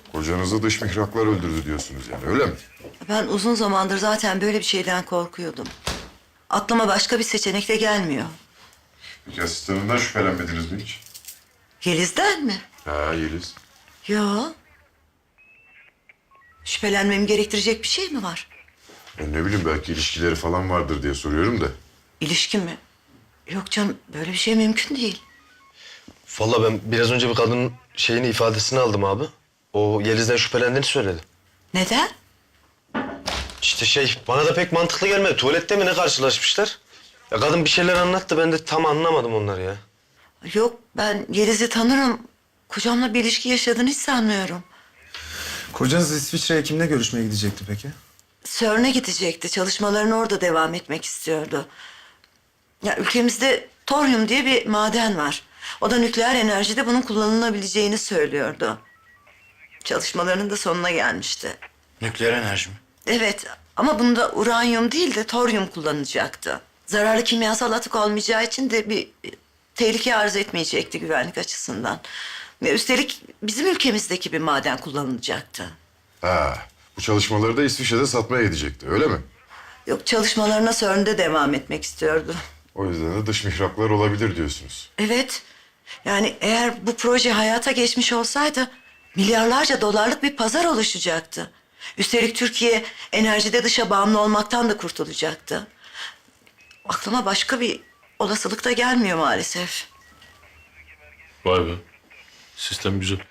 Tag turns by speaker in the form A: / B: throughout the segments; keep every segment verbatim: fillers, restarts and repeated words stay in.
A: Kocanızı dış mihraklar öldürdü diyorsunuz yani, öyle mi?
B: Ben uzun zamandır zaten böyle bir şeyden korkuyordum. Aklıma başka bir seçenek de gelmiyor.
A: Peki asistanından şüphelenmediniz mi hiç?
B: Yeliz'den mi?
A: Ha Yeliz.
B: Yo. Şüphelenmemi gerektirecek bir şey mi var?
A: Ben ne bileyim, belki ilişkileri falan vardır diye soruyorum da.
B: İlişki mi? Yok canım, böyle bir şey mümkün değil.
C: Vallahi ben biraz önce bir kadının şeyini ifadesini aldım abi. O Yeliz'den şüphelendiğini söyledi.
B: Neden?
C: İşte şey bana da pek mantıklı gelmedi. Tuvalette mi ne karşılaşmışlar? Ya kadın bir şeyler anlattı, ben de tam anlamadım onları ya.
B: Yok, ben Yeliz'i tanırım. Kocamla bir ilişki yaşadığını hiç sanmıyorum.
D: Kocanız İsviçre'ye kimle görüşmeye gidecekti peki?
B: CERN'e gidecekti. Çalışmalarını orada devam etmek istiyordu. Ya ülkemizde toryum diye bir maden var. O da nükleer enerjide bunun kullanılabileceğini söylüyordu. Çalışmalarının da sonuna gelmişti.
E: Nükleer enerji mi?
B: Evet, ama bunda uranyum değil de toryum kullanacaktı. Zararlı kimyasal atık olmayacağı için de bir e, tehlike arz etmeyecekti güvenlik açısından. Ve üstelik bizim ülkemizdeki bir maden kullanılacaktı.
A: Ha, bu çalışmaları da İsviçre'de satmaya gidecekti, öyle mi?
B: Yok, çalışmalarına CERN'de devam etmek istiyordu.
A: O yüzden de dış mihraklar olabilir diyorsunuz.
B: Evet, yani eğer bu proje hayata geçmiş olsaydı milyarlarca dolarlık bir pazar oluşacaktı. Üstelik Türkiye enerjide dışa bağımlı olmaktan da kurtulacaktı. Aklıma başka bir olasılık da gelmiyor maalesef.
F: Vay be. Sistem güzel.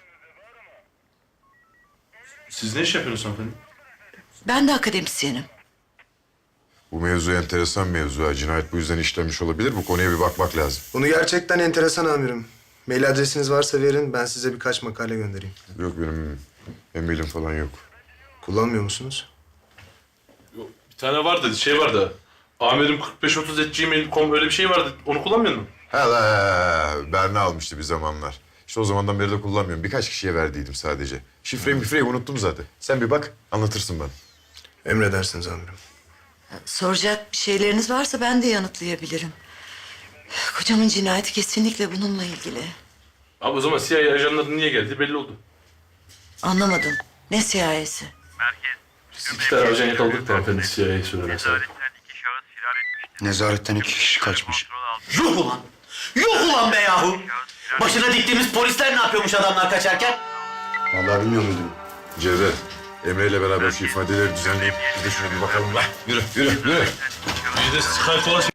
F: Siz ne iş yapıyorsunuz hanımefendi?
B: Ben de akademisyenim.
A: Bu mevzu enteresan mevzu. ha. Cinayet bu yüzden işlenmiş olabilir. Bu konuya bir bakmak lazım.
D: Bunu gerçekten enteresan amirim. Mail adresiniz varsa verin, ben size birkaç makale göndereyim.
A: Yok, benim emilim falan yok.
D: Kullanmıyor musunuz?
F: Yok, bir tane vardı, şey vardı. Amirim kırk beş otuz at gmail nokta com öyle bir şey vardı. Onu kullanmıyor musun?
A: Ha la, Berna almıştı bir zamanlar. İşte o zamandan beri de kullanmıyorum. Birkaç kişiye verdiydim sadece. Şifreyi mifreyi unuttum zaten. Sen bir bak, anlatırsın bana.
D: Emredersiniz amirim.
B: Soracak bir şeyleriniz varsa ben de yanıtlayabilirim. Kocamın cinayeti kesinlikle bununla ilgili.
F: Abi o zaman C I A ajanları niye geldi belli oldu.
B: Anlamadım. Ne siyasi?
F: Biz iki tane ajan yakaladık da hanımefendi C I A'yı söylemez abi.
E: Nezaretten iki kişi kaçmış.
G: Yuh ulan! Yuh ulan be yahu! Başına diktiğimiz polisler ne yapıyormuş adamlar kaçarken?
E: Vallahi bilmiyorum müdürüm.
A: Cevdet, Emre ile beraber şu ifadeleri düzenleyip bir de şuna bir bakalım la. Yürü, yürü, yürü.
F: Bir de Skype falan